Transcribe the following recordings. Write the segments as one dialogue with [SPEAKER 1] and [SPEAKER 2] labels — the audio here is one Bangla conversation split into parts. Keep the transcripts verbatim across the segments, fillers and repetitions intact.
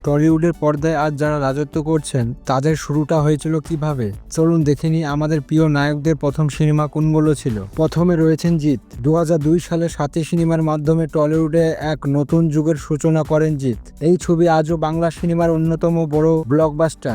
[SPEAKER 1] টলিউডের পর্দায় আজ যারা রাজত্ব করছেন তাদের শুরুটা হয়েছিল কিভাবে, চলুন দেখে নিই আমাদের প্রিয় নায়কদের প্রথম সিনেমা কোনগুলো ছিল। প্রথমে রয়েছেন জিৎ। দু হাজার দুই সালে সাথী সিনেমার মাধ্যমে টলিউডে এক নতুন যুগের সূচনা করেন জিৎ। এই ছবি আজও বাংলা সিনেমার অন্যতম বড় ব্লকবাস্টার।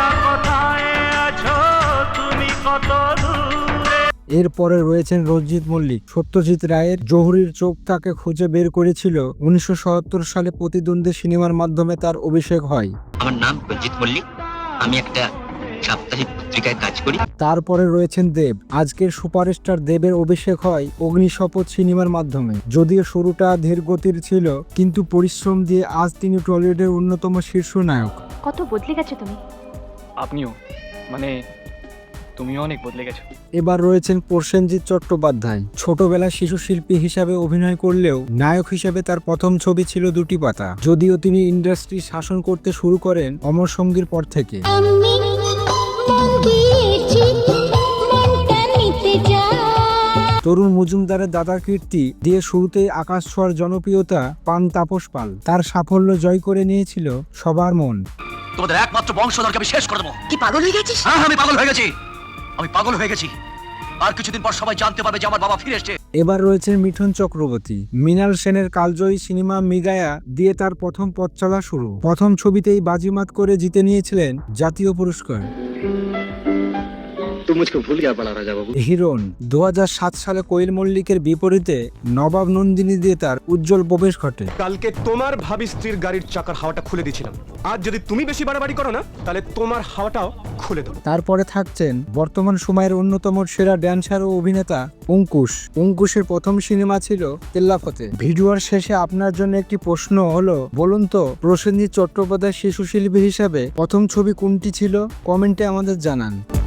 [SPEAKER 1] এরপরে রয়েছেন রঞ্জিত মল্লিক। সত্যজিৎ রায়ের জহুরির চোখ তাকে খুঁজে বের করেছিল। উনিশশো সত্তর সালে প্রতিদ্বন্দ্বী সিনেমার মাধ্যমে তার অভিষেক হয়।
[SPEAKER 2] আমার নাম রঞ্জিত মল্লিক, আমি একটা সাপ্তাহিক পত্রিকায় কাজ করি।
[SPEAKER 1] তারপরে রয়েছেন দেব। আজকের সুপারস্টার দেবের অভিষেক হয় অগ্নিশপথ সিনেমার মাধ্যমে। যদিও শুরুটা ধীরগতির ছিল, কিন্তু পরিশ্রম দিয়ে আজ তিনি টলিউডের অন্যতম শীর্ষ নায়ক।
[SPEAKER 3] কত বদলে গেছো তুমি।
[SPEAKER 4] আপনিও, মানে তুমিও অনেক বদলে গেছো।
[SPEAKER 1] এবার রয়েছেন প্রসেনজিৎ চট্টোপাধ্যায়। ছোটবেলায় শিশু শিল্পী হিসাবে অভিনয় করলেও নায়ক হিসেবে তার প্রথম ছবি ছিল দুটি পাতা। যদিও তিনি ইন্ডাস্ট্রি শাসন করতে শুরু করেন অমর সঙ্গীর পর থেকে। তরুণ মজুমদারের দাদার কীর্তি দিয়ে শুরুতেই আকাশ ছোঁয়ার জনপ্রিয়তা পান তাপস পাল। তার সাফল্য জয় করে নিয়েছিল সবার মন।
[SPEAKER 5] তোমাদের একমাত্র বংশধরকে আমি শেষ করে দেবো।
[SPEAKER 3] কি পাগল হয়ে গেছিস?
[SPEAKER 5] হ্যাঁ, আমি পাগল হয়ে গেছি, আমি পাগল হয়ে গেছি। আর কিছুদিন পর সবাই জানতে পারবে যে আমার বাবা ফিরে এসেছে।
[SPEAKER 1] এবার রয়েছেন মিঠুন চক্রবর্তী। মৃণাল সেনের কালজয়ী সিনেমা মৃগায়া দিয়ে তার প্রথম পথ চলা শুরু। প্রথম ছবিতেই বাজিমাত করে জিতে নিয়েছিলেন জাতীয় পুরস্কার। হিরোন। দু হাজার সাত সালে কোয়েল মল্লিকের বিপরীতে নবাব নন্দিনী দিয়ে তার উজ্জ্বল প্রবেশ ঘটে।
[SPEAKER 6] কালকে তোমার ভাবি স্ত্রীর গাড়ির চাকার হাওয়াটা খুলে দিয়েছিলাম। আজ যদি তুমি বেশি বাড়াবাড়ি করো না, তাহলে তোমার হাওয়াটাও খুলে দেবো।
[SPEAKER 1] তারপরে থাকছেন বর্তমান সময়ের অন্যতম সেরা ড্যান্সার ও অভিনেতা অঙ্কুশ। অঙ্কুশের প্রথম সিনেমা ছিল তেল্লাফতে। ভিডিওর শেষে আপনার জন্য একটি প্রশ্ন হলো, বলুন তো প্রসেনজিৎ চট্টোপাধ্যায় শিশু শিল্পী হিসাবে প্রথম ছবি কোনটি ছিল? কমেন্টে আমাদের জানান।